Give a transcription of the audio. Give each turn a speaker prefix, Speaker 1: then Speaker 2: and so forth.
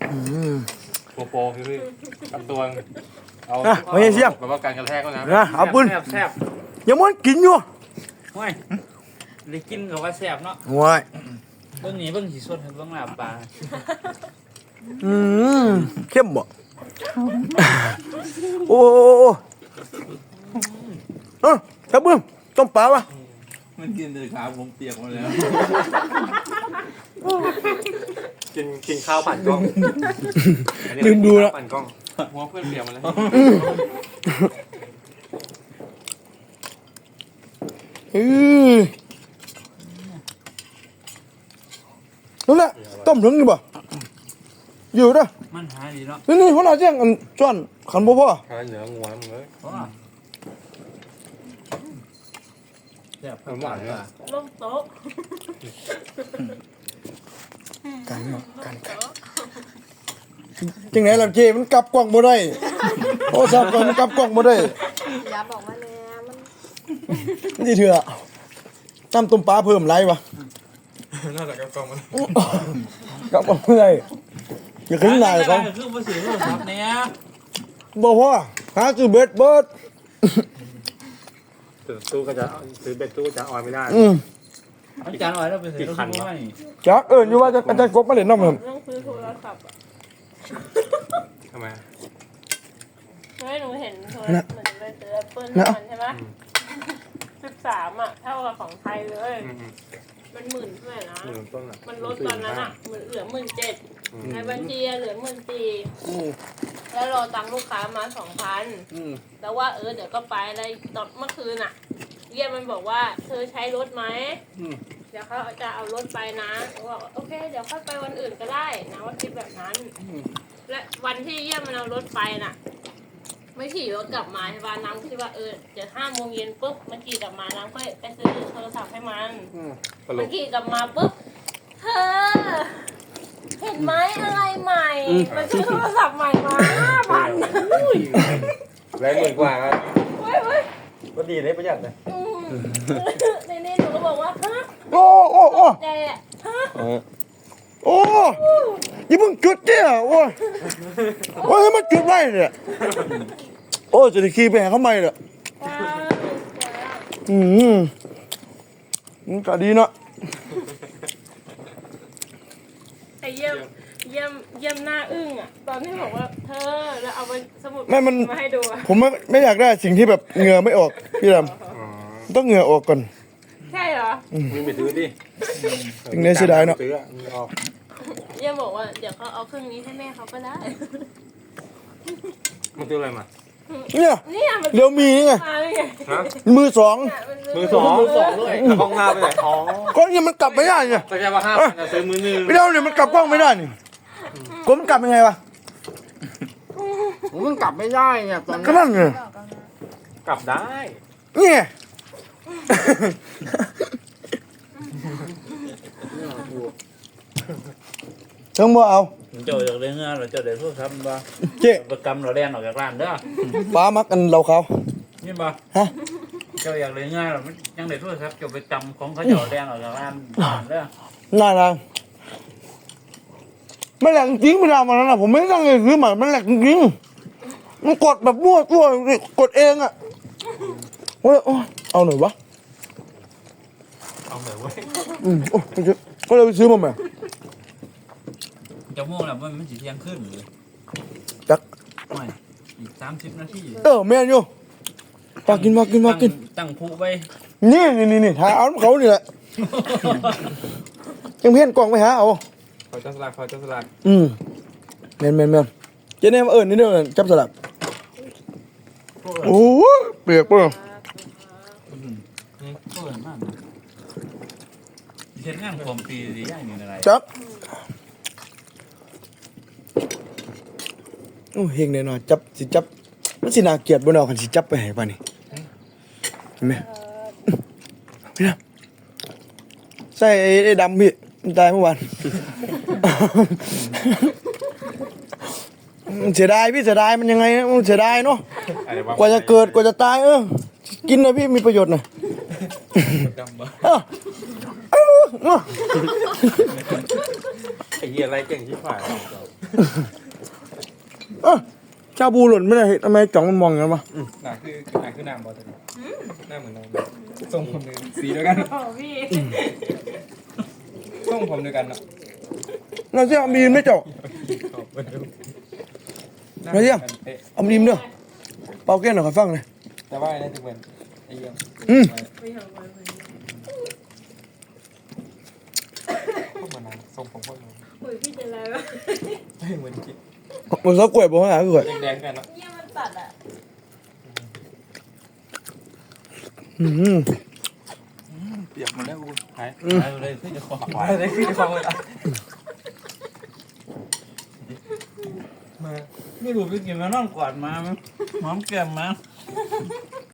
Speaker 1: โปคือกับตัวเอา
Speaker 2: ไม่ใช่เสียม
Speaker 1: แบบว่าการกระแทกก็นะ
Speaker 2: เอาปืน
Speaker 3: แซ่บ
Speaker 2: ยังมันกินอยู่
Speaker 3: ห่วยได้กินกับว่าแซ่บเนาะ
Speaker 2: ห่วย
Speaker 3: เบิ่งนี้เบิ่งสีสดเบิ่งลาบปลา
Speaker 2: เข้มบ่โอ้ครับเบิ้มต้มปลาวะ
Speaker 4: มันกินแต่ขาผมเปียกหมดแล้ว
Speaker 1: กินข้าวปั่นกล้อง
Speaker 2: ลืมดูแล้ว
Speaker 1: ปั่นกล้องหัวเพื่อนเปียกมาเลย
Speaker 2: นั่นแหละต้มถึงนี่บ่อยู่ด้วย
Speaker 3: มันหาดีเนาะ
Speaker 2: นี่หัวหน้าแจ้งอันจ้อนขันบ่พ่อ
Speaker 1: หาเหนืองัวมึงเลย
Speaker 3: แซ่บ
Speaker 1: หวานเลย
Speaker 5: ลงโต๊ะ
Speaker 2: กันเนาะกันจังไหนล่ะเจมันกลับกล้องบ่ได้โอ้ซับมันกลับกล้องบ่ได้
Speaker 5: อย่าบอกว่าแน่มัน
Speaker 2: นี่เถอะน้ำต้มปลาเพิ่มไรวะ
Speaker 1: น่าจะกับกล้องมัน
Speaker 2: กลับกล้องบ่ได้อย่าขึ้นหน้าเขา
Speaker 3: คือบ่ซื้อโทรศัพท์เนี่ย
Speaker 2: บ่พ่อหาซื้อเบ็ด
Speaker 1: ตู้ก็จะซื้อเบ็ดตู้จะออยไม่ได้
Speaker 3: อาจารย์ว่าเราไปซื้อโทรศัพท์ให้
Speaker 2: จักอยู่ว่าอาจารย์กบมาเล่นน้ำมัน
Speaker 5: ต้องซื้อโทรศัพท์อ่ะ
Speaker 1: ทำไม
Speaker 5: ไม่หนูเห็นโทรศัพท์เหมือนไปซื้อแอปเปิ้ลมันใช่ไหม13อ่ะเท่ากับของไทยเลยมัน10,000เท่าไหร่นะมันลดตอนนั้นอ่ะเหลือ17,000ในบัญชีเหลือ14,000แล้วรอตังค์ลูกค้ามา2,000แต่ว่าเดี๋ยวก็ไปอะไรตอนเมื่อคืนอ่ะเยี่ยมมันบอกว่าเธอใช้รถไหมเดี๋ยวเขาจะเอารถไปนะว่าโอเคเดี๋ยวค่อยไปวันอื่นก็ได้นะว่าคิดแบบนั้นและวันที่เยี่ยมมันเอารถไปน่ะไม่ขี่รถกลับมาใช่ป่ะน้ำคิดว่าเดี๋ยว5 โมงเย็นปุ๊บมันขี่กลับมาน้ำก็ไปซื้อโทรศัพท์ให้มันขี่กลับมาปุ๊บเธอเห็นไหมอะไรใหม่มันซื้อโทรศัพท์ใหม่มา5,000
Speaker 1: แรง10,000 กว่าครับ
Speaker 5: ก็
Speaker 1: ดีเลยประหยัดเลย
Speaker 5: ในนี้หนูก็บอกว่าฮะ
Speaker 2: โอ้
Speaker 5: แต่ฮะ
Speaker 2: โอ้ยมึงจุดเนี่ยโอ้ยมันจุดไว้เนี่ยโอ้จะได้ขี่ไปหาเขาใหม่เนี่ยมันก็ดีเนาะ
Speaker 5: ไอ้เยี่ยมหน้าอึ้งอ่ะตอนที่บอกว่าเธอแล้วเอาไปสมุดมาให้ดู
Speaker 2: ผมไม่อยากได้สิ่งที่แบบเหงื่อไม่ออกพี่ดำต้องเหงื่อออกก่อน
Speaker 5: ใช่เหรอ
Speaker 1: มึงไปซื้อดิ
Speaker 2: ถึงได้เสียดายเนาะ
Speaker 5: เยี่ยมบอกว่าเดี๋ยวเขาเอาเครื่องนี้ให้แม่เขาก็ได้
Speaker 1: มันซื้ออะไรมา
Speaker 2: เนี่ยเดี๋ยวมีไงมือสอง
Speaker 1: ด้วยกล้องหน้าไปไหน
Speaker 2: ก็เนี่ยมันกลับไม่ได้ไง
Speaker 1: แต่แค่ว่า5,000จะซื้อมือนึง
Speaker 2: ไม่ได้เนี่ยมันกลับกล้องไม่ได้นี่ก็มันกลับยังไงวะ
Speaker 3: มันกลับไม่ได้เนี่ยตอน
Speaker 2: ก็นั่นไง
Speaker 1: กลับได้
Speaker 2: เนี่ยเชิงบ่เอา
Speaker 3: เจ้าอยากเลี้ยงเงินเราเจ้าเดี๋ยวพูดครับบ่
Speaker 2: เจ๊
Speaker 3: ประกำเราแดงออกจากร้านเด้อ
Speaker 2: ป้ามักกันเราเขา
Speaker 3: นี่บ่
Speaker 2: ฮะ
Speaker 3: เจ้าอยากเลี้ยงเงินเรายังเดี๋ยวพูดครับเจ้าไปจำของเขาเจ้าแดงออกจากร้านเด้อ
Speaker 2: น่ารักไม่แหลกจริงไม่ได้มาแล้วนะผมไม่ตั้งเลยซื้อมามันแหลกจริงมันกดแบบมั่วตัวกดเองอ่ะเอาหน่อยวะ
Speaker 1: เอาหน่อยวะ
Speaker 2: ก็เลยไปซื้อมาใหม่
Speaker 3: จะโม่แล้วมันสีเที่ยงขึ้นเลย
Speaker 2: จัก
Speaker 3: ไม่อีก30 นาที
Speaker 2: แม่อยู่มากิน
Speaker 3: ตั้งผู้ไป
Speaker 2: นี่ถ่ายเอาเขานี่แหละยังเพี้ยนกล่องไปหาเอา
Speaker 1: พอจับสลัก
Speaker 2: แม่นเจ๊เนี่ยมานี่เด้อจับสลักโอ้เปียกป่ะ
Speaker 3: เห็นงานความปีสิอย่างนี้อะไร
Speaker 2: จับโอ้เฮงแน่นอนจับมันสิน่าเกลียดบ่เนาะคันสิจับไปให้ป่ะนี่เห็นไหมพี่นะใส่ไอ้ดำพี่มันตายเมื่อวานเสียดายพี่เสียดายมันยังไงมันเสียดายเนาะกว่าจะเกิดกว่าจะตายกินนะพี่มีประโยชน์นะ
Speaker 1: ไอ้เหี้ยอะไรเก่งที่ฝ่าย
Speaker 2: ชาบูหล่นไม่ได้เห็นทำไมจ่องมันมองอย่างนั้นวะ
Speaker 6: หนาคือน้ำบอลตัวนี้หน้าเหมือนน้ำทรงผมเลยสีเดียวกัน
Speaker 5: โอ้พี่
Speaker 6: ทรงผมเดียวกันเนาะ
Speaker 2: เราเสี่ยมีนไม่เจาะ
Speaker 6: หน้า
Speaker 2: ไหนเนี่ย
Speaker 6: หมือนกันเป๊ะ
Speaker 2: เอามีนเด้อเป่าแก้วหน่อยขอฟังหน่อย
Speaker 6: แต่ว่าน่าจะเหมือนไอ้เยี่ยม
Speaker 5: ไม่ทำไว้เลย
Speaker 6: พวกเหมือนน้ำทรงผมพวกน้ำ
Speaker 5: อุ้ยพี่จะอะไรวะ
Speaker 6: เหมือนกิ๊ก
Speaker 2: เหมือนเขากล้วยบอกว่าหากล้วย
Speaker 6: แดงๆกันเนาะ
Speaker 5: เนี่ยมันตัดอ่ะ
Speaker 4: เปียกหมดแล้วกู
Speaker 3: หายเลยที่จะของ
Speaker 6: ไปได้ขึ้นฟังเลยอ่ะมา
Speaker 3: ไม่รู้ไปกินมานอนกอดมามั้งหอมแก้มมา